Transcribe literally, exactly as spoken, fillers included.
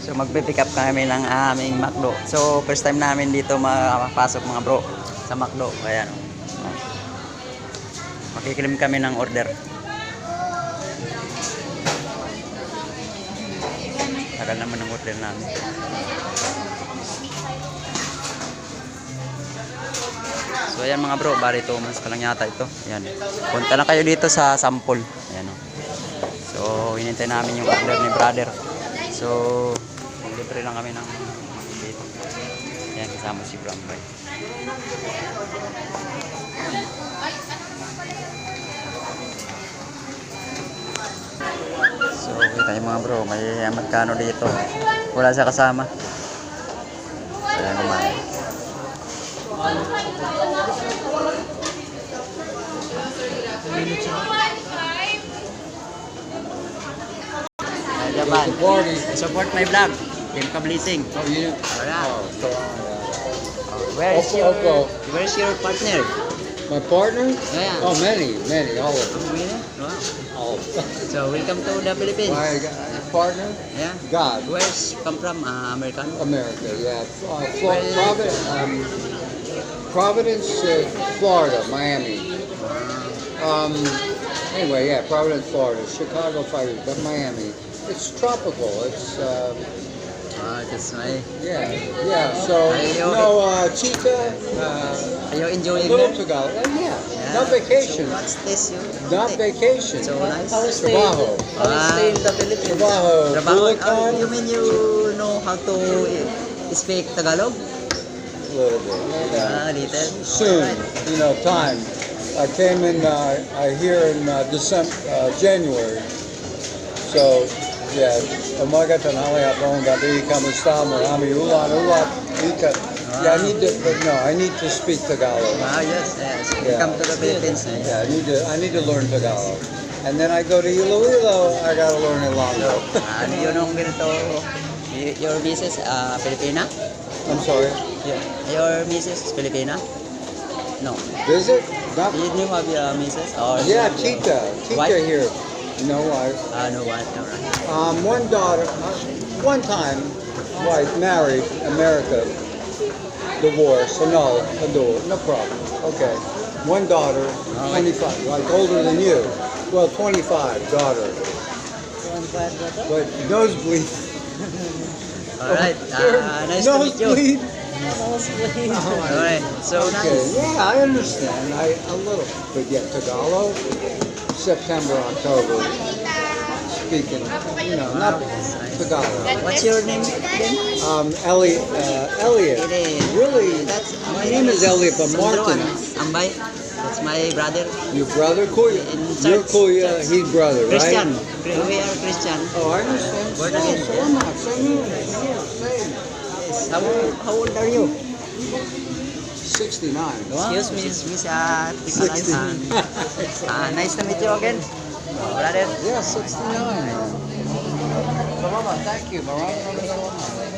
So magpe-pick up kami ng aming McDo. So first time namin dito makapasok mga bro sa McDo. Ayan. Oh. Makikilim kami ng order. Tagal naman ng order namin. So ayan mga bro, bari two months pa lang yata ito. Ayan. Punta na kayo dito sa sample. Ayan oh. So hinintay namin yung order ni brother. So libre lang kami ng dito. Ayan, kasama si Brambay. So kita yung mga bro, may magkano dito. Wala siya kasama. Ayan kumain. Japan. Support my vlog. Team Kablising. Oh, you? Alright. Oh, so, yeah. Where is Oppo, your Oppo. Where is your partner? My partner? Yeah. Oh, many, many, all of them. Oh, really? Wow. All of them. So welcome to the Philippines. My uh, partner? Yeah. God. Where's come from? Uh, American. America, yeah. Uh, Flo- Providence, um, Providence, uh, Florida, Miami. Um, anyway, yeah, Providence, Florida. Chicago Fire, but Miami. It's tropical. It's uh, Ah, that's my. yeah, yeah. So Ayaw, no uh, Chica, uh, Are you enjoying little here? Tagalog. Uh, yeah, Yeah. not vacation. So what's this? You? Not vacation. So nice. Trabajo. Ah, Stay in the Philippines. Trabajo. Trabaho. Bulacan. Oh, you mean you know how to speak Tagalog? A little bit. Ah, little. Soon, Alright. you know, time. I came in uh, I here in uh, December, uh, January. So, yeah, umaga tanghali hapon gabi kamusta marami ulan ulat ika. Yeah, I need to, but no, I need to speak Tagalog. Ah, yes, yes. Yeah. Welcome to the Philippines. Eh? Yeah, I need to, I need to learn Tagalog. And then I go to Iloilo, I gotta learn Ilonggo. Ah, ano yun ang ganito? Y- Your missus, uh, Filipina? I'm sorry. Yeah. Your missus is Filipina? No. Visit? Not, Did you have your missus? Or yeah, your Tita. Tita wife? here. No wife. Ah, no, what? No, right. Um, one daughter, uh, one time, wife, married, America, divorce, annulled, adult, no problem. Okay. One daughter, twenty-five, like older than you. Well, twenty-five, daughter. But nosebleed. Alright. Ah, nice to meet you. Nosebleed. Alright. So Okay, nice. yeah, I understand. I a little, but yeah, Tagalog, September, October, speaking, you know, not Tagalog. What's your name again? Um, Elliot, uh, Elliot. Elliot. Really? That's My name is Elliot, but Martin. Ambay. That's my brother. Your brother, Kuya. In Your church, Kuya, church. he's brother, right? Christian. We are Christian. Oh, I understand. Born So, again, so yeah. am I. Same here. Yeah, same. Yes. How, how old are you? sixty-nine. Excuse me, Miss uh, sixty. Ah, nice to meet you again. Brother. Yeah, sixty-nine. Salamat, thank you. Maraming maraming salamat.